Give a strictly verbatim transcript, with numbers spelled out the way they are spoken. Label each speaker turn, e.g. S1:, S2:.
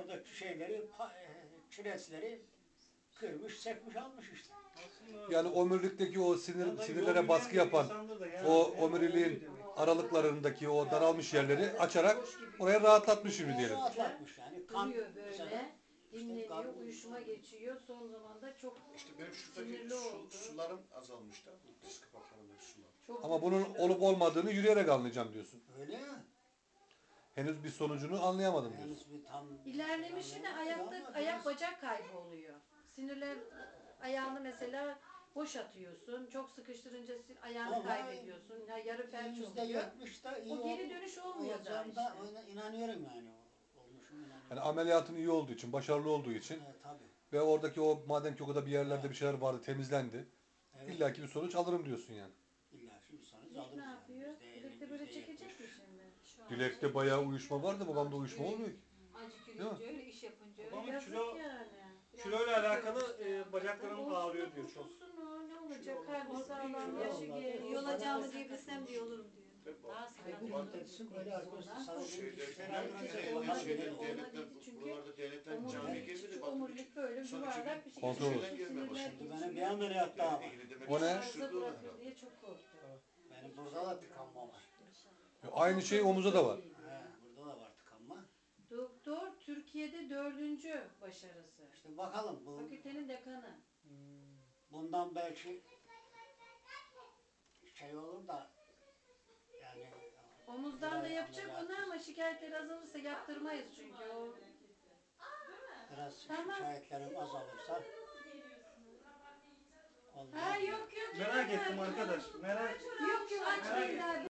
S1: oradaki şeyleri, pa- e, kireçleri kırmış, sekmiş almış işte.
S2: Yani omurilikteki o sinir,
S3: Yani
S2: sinirlere
S3: yol
S2: baskı
S3: yürüyen bir
S2: yapan
S3: insandır da yani
S2: o
S3: hem
S2: omuriliğin
S3: olduğu demek.
S2: aralıklarındaki o daralmış yerleri açarak
S4: Boş gibi
S2: oraya
S4: duruyor.
S2: rahatlatmış şimdi
S1: E,
S2: diyelim.
S1: rahatlatmış yani. Kan
S4: Duruyor
S1: mesela
S4: böyle,
S1: işte
S4: dinleniyor,
S1: kan-
S4: uyuşuma geçiyor. Son zamanda çok
S5: İşte benim şuradaki
S4: sinirli
S5: su,
S4: oldu.
S5: sularım azalmış da, bu diz kapaklarındaki sular.
S4: Çok
S2: Ama bunun
S4: güçlü.
S2: olup olmadığını yürüyerek anlayacağım diyorsun.
S1: öyle ya.
S2: Henüz bir sonucunu anlayamadım diyorsun.
S1: Henüz bir tam
S4: İlerlemişi de ayakta,
S1: Ama
S4: ayak
S1: biraz-
S4: bacak kaybı oluyor. Sinirler ayağını mesela boş atıyorsun. Çok sıkıştırınca sin- ayağını
S1: Ama
S4: kaybediyorsun. Ya yarı felç
S1: yüzde
S4: oluyor.
S1: yetmiş de iyi
S4: O geri
S1: ol-
S4: dönüş olmuyor daha
S1: olacağım da
S4: işte.
S1: ona inanıyorum yani. Olmuşum inanıyorum.
S2: Yani ameliyatın iyi olduğu için, başarılı olduğu için
S1: Evet, tabii.
S2: ve oradaki o madem ki o kadar bir yerlerde bir şeyler vardı, temizlendi.
S1: Evet.
S2: İlla ki bir sonuç alırım diyorsun yani.
S1: İlla ki bir sonuç
S4: Dilek
S1: alırız
S4: ne
S1: yani.
S4: yapıyor?
S1: Yüzde elli,
S4: Dilek de böyle
S1: yüzde
S4: çekecek
S1: yetmiş.
S4: mi şimdi?
S2: Dilekte bayağı uyuşma var da babamda uyuşma olmuyor ki.
S6: Acı
S2: Değil
S6: yürüyünce öyle, iş yapınca öyle.
S3: Babamın
S4: Yazık
S3: kilo,
S4: yani.
S3: kiloyla alakalı e, bacaklarım
S4: Olsun
S3: ağrıyor
S4: da
S3: diyor çok.
S4: kurtulsun o. Ne olacak?
S3: Kilo
S4: Kalbi
S3: olmaz.
S4: sağlam,
S1: Kilo
S4: yaşı
S1: olmaz.
S4: genç.
S6: Yol alacağımı diyebilsem diye olurum diyor.
S4: Daha
S1: Ay bu
S4: sakatlanır.
S1: müddetsin böyle arkadaşlar sadece
S5: Şeyde,
S1: işte
S4: Herhalde
S5: devletler,
S4: olmaz
S5: devletler,
S4: dedi,
S5: devletler,
S4: olmaz dedi çünkü
S5: buralarda devletler camiye
S4: Omurilik,
S5: girmedi.
S4: şu
S5: Baktım
S4: omurilik böyle
S5: Sonra
S4: yuvarlak bir şey.
S2: Kontrol olur.
S5: Girmeye başladı.
S1: Şimdi benim bir ameliyat daha var.
S2: O ne?
S4: Arıza bırakır diye çok korktu.
S1: Benim burada da tıkanma var.
S2: Aynı şey omuza da var.
S1: He, burada da var tıkanma.
S4: Doktor Türkiye'de dördüncü başarısı.
S1: İşte bakalım bu
S4: Fakültenin dekanı.
S1: bundan belki şey olur da yani
S4: Omuzdan da
S1: biraz
S4: yapacak
S1: ameliyat-
S4: onu ama şikayetleri azalırsa yaptırmayız çünkü o.
S1: Biraz
S4: Tamam.
S1: şikayetlerim azalırsa
S4: Ha yok yok.
S3: Merak
S4: yok,
S3: ettim
S4: yok.
S3: arkadaş. Merak
S4: Yok yok açmayın daha.